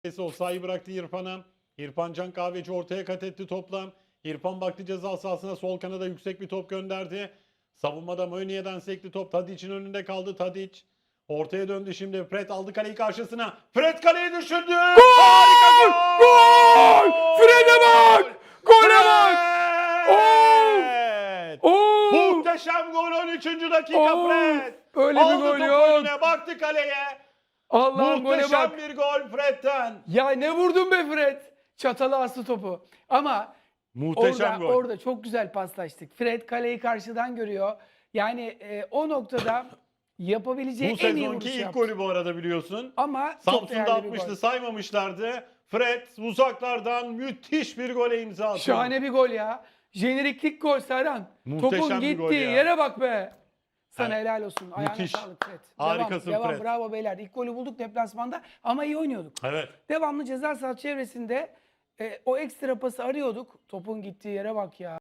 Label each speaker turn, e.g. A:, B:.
A: O sayı bıraktı İrfan'a. İrfan Can Kahveci ortaya kat etti topla. İrfan baktı ceza sahasına, sol kanada yüksek bir top gönderdi. Savunmada Mönye'den sekti top. Tadic'in önünde kaldı Tadic. Ortaya döndü şimdi. Fred aldı kaleyi karşısına. Fred kaleyi düşürdü.
B: Gol!
A: Harika
B: Gol! Fred'e bak! Gole bak!
A: Fred!
B: Oo!
A: Muhteşem gol 13. dakika
B: Oo!
A: Fred.
B: Öyle bir
A: Aldı
B: gol
A: topu
B: yok.
A: önüne, baktı kaleye.
B: Allah'ım gole
A: Muhteşem
B: bak.
A: bir gol Fred'den.
B: Ya ne vurdun be Fred? Çatala astı topu. Ama
A: Muhteşem gol.
B: orada çok güzel paslaştık. Fred kaleyi karşıdan görüyor. Yani o noktada yapabileceği
A: Bu
B: en iyi
A: sezonki
B: vuruş
A: ilk
B: yaptı.
A: golü bu arada biliyorsun.
B: Ama çok
A: Samsun'da
B: değerli bir
A: atmıştı,
B: gol.
A: saymamışlardı. Fred uzaklardan müthiş bir gole imza atıyor.
B: Şahane bir gol ya. Jeneriklik gol Serhan.
A: Muhteşem
B: Topun
A: bir gol
B: gittiği
A: ya.
B: yere bak be. Sana
A: Evet.
B: helal olsun. Ayağına
A: Müthiş.
B: sağlık Fred.
A: Harikasın
B: devam.
A: Fred.
B: Bravo beyler. İlk golü bulduk deplasmanda ama iyi oynuyorduk.
A: Evet.
B: Devamlı ceza sahası çevresinde o ekstra pası arıyorduk. Topun gittiği yere bak ya.